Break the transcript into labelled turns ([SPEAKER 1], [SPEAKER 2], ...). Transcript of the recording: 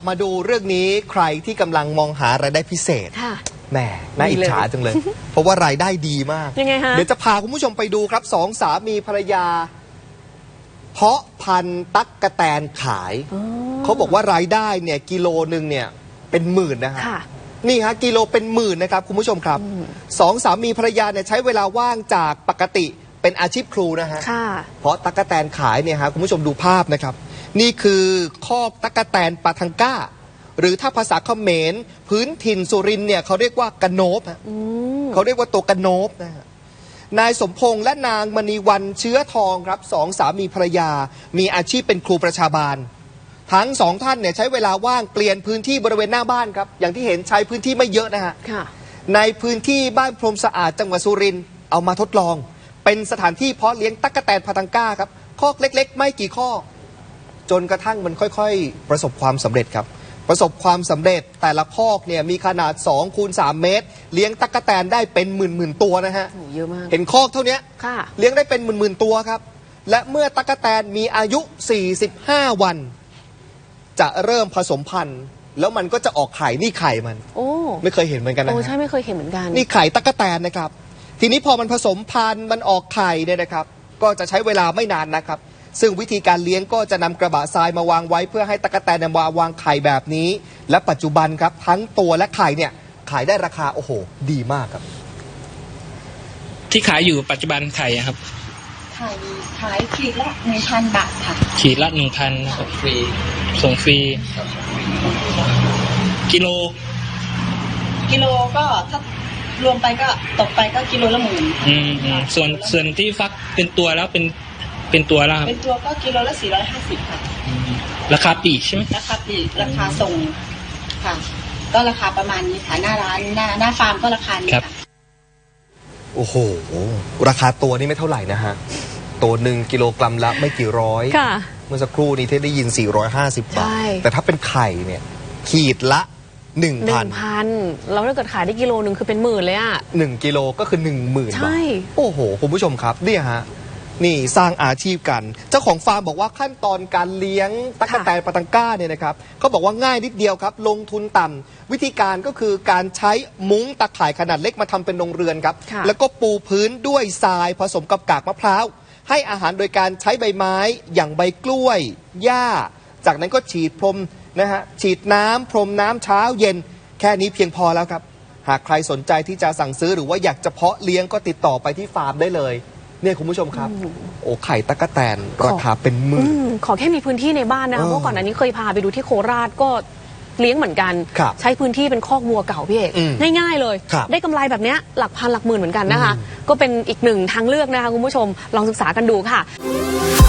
[SPEAKER 1] มาดูเรื่องนี้ใครที่กำลังมองหารายได้พิเศษแหมน่าอิจฉาจังเลย เพราะว่ารายได้ดีมาก
[SPEAKER 2] ยังไงฮะ
[SPEAKER 1] เดี๋ยวจะพาคุณผู้ชมไปดูครับสองสามีภรรยา เพาะพันธุ์ตั๊กแตนขายเขาบอกว่ารายได้เนี่ยกิโลนึงเนี่ยเป็นหมื่นนะฮะนี่ฮะกิโลเป็นหมื่นนะครับคุณผู้ชมครับสองสามีภรรยาเนี่ยใช้เวลาว่างจากปกติเป็นอาชีพครูนะฮะเพราะตั๊กแตนขายเนี่ยฮะคุณผู้ชมดูภาพนะครับนี่คือคอกตั๊กแตนปาทังก้าหรือถ้าภาษาเขมรพื้นถิ่นสุรินทร์เนี่ยเขาเรียกว่ากระโนบเขาเรียกว่าตัวกระโนบนะฮะนายสมพงษ์และนางมณีวันเชื้อทองครับสองสามีภรรยามีอาชีพเป็นครูประชาบาลทั้งสองท่านเนี่ยใช้เวลาว่างเปลี่ยนพื้นที่บริเวณหน้าบ้านครับอย่างที่เห็นใช้พื้นที่ไม่เยอะนะฮะในพื้นที่บ้านพรมสะอาดจังหวัดสุรินทร์เอามาทดลองเป็นสถานที่เพาะเลี้ยงตั๊กแตนปาทังก้าครับคอกเล็กๆไม่กี่คอกจนกระทั่งมันค่อยๆประสบความสำเร็จครับประสบความสำเร็จแต่ละคอกเนี่ยมีขนาด2 คูณ 3 เมตรเลี้ยงตั๊กแตนได้เป็นหมื่นตัวนะฮะ
[SPEAKER 2] เยอะมาก
[SPEAKER 1] เห็นคอกเท่านี้เลี้ยงได้เป็นหมื่นตัวครับและเมื่อตั๊กแตนมีอายุ45 วันจะเริ่มผสมพันธุ์แล้วมันก็จะออกไข่นี่ไข่มันไม่เคยเห็นเหมือนกันนะ
[SPEAKER 2] ใช่ไม่เคยเห็นเหมือนกัน
[SPEAKER 1] นี่ไข่ตั๊กแตนนะครับทีนี้พอมันผสมพันธุ์มันออกไข่เนี่ยนะครับก็จะใช้เวลาไม่นานนะครับซึ่งวิธีการเลี้ยงก็จะนำกระบะทรายมาวางไว้เพื่อให้ตั๊กแตนมาวางไข่แบบนี้และปัจจุบันครับทั้งตัวและไข่เนี่ยขายได้ราคาโอ้โหดีมากครับ
[SPEAKER 3] ที่ขายอยู่ปัจจุบันไข่ครับ
[SPEAKER 4] ขายขีดละ 1,000 บาทค่ะ
[SPEAKER 3] ขีดละ 1,000นะครับฟรีส่งฟรีกิโล
[SPEAKER 4] ก็ถ้ารวมไปก็ตกไปก็กิโลละ10,000
[SPEAKER 3] ส่วนที่ฟักเป็นตัวแล้วเป็นตัวแล้วครับ
[SPEAKER 4] เป็นตัวก็กิโลละ450ค่ะ
[SPEAKER 3] ราคาปลีกใช่ไหม
[SPEAKER 4] ราคาปลีกราคาส่งค่ะก็ราคาประมาณนี้ค่ะหน้าร้านหน้าฟาร์มก็ราคานี้ค่ะ
[SPEAKER 1] โอ้โหราคาตัวนี่ไม่เท่าไหร่นะฮะตัวหนึ่งกิโลกรัมละไม่กี่ร้อยเมื่อสักครู่นี้ที่ได้ยิน450 บาทแต่ถ้าเป็นไข่เนี่ยขีดละ1,000
[SPEAKER 2] แล้วถ้าเกิดขายได้กิโลนึงคือเป็นหมื่นเลยอ่ะ
[SPEAKER 1] 1 กิโลก็คือ 10,000 บาทโอ้โหคุณผู้ชมครับเนี่ยฮะนี่สร้างอาชีพกันเจ้าของฟาร์มบอกว่าขั้นตอนการเลี้ยงตั๊กแตนปาทังก้าเนี่ยนะครับเขาบอกว่าง่ายนิดเดียวครับลงทุนต่ำวิธีการก็คือการใช้มุ้งตะข่ายขนาดเล็กมาทำเป็นโรงเรือนครับแล้วก็ปูพื้นด้วยทรายผสมกับกากมะพร้าวให้อาหารโดยการใช้ใบไม้อย่างใบกล้วยหญ้าจากนั้นก็ฉีดพรมนะฮะฉีดน้ำพรมน้ำเช้าเย็นแค่นี้เพียงพอแล้วครับหากใครสนใจที่จะสั่งซื้อหรือว่าอยากจะเพาะเลี้ยงก็ติดต่อไปที่ฟาร์มได้เลยเนี่ยคุณผู้ชมครับโอ้ไข่ตั๊กแตนราคาเป็นหมื่น
[SPEAKER 2] ขอแค่มีพื้นที่ในบ้านนะคะเพราะก่อนอันนี้เคยพาไปดูที่โคราชก็เลี้ยงเหมือนกันใช้พื้นที่เป็นคอกวัวเก่าพี่เอกง่ายๆเลยได้กำไรแบบนี้หลักพันหลักหมื่นเหมือนกันนะคะก็เป็นอีกหนึ่งทางเลือกนะคะคุณผู้ชมลองศึกษากันดูค่ะ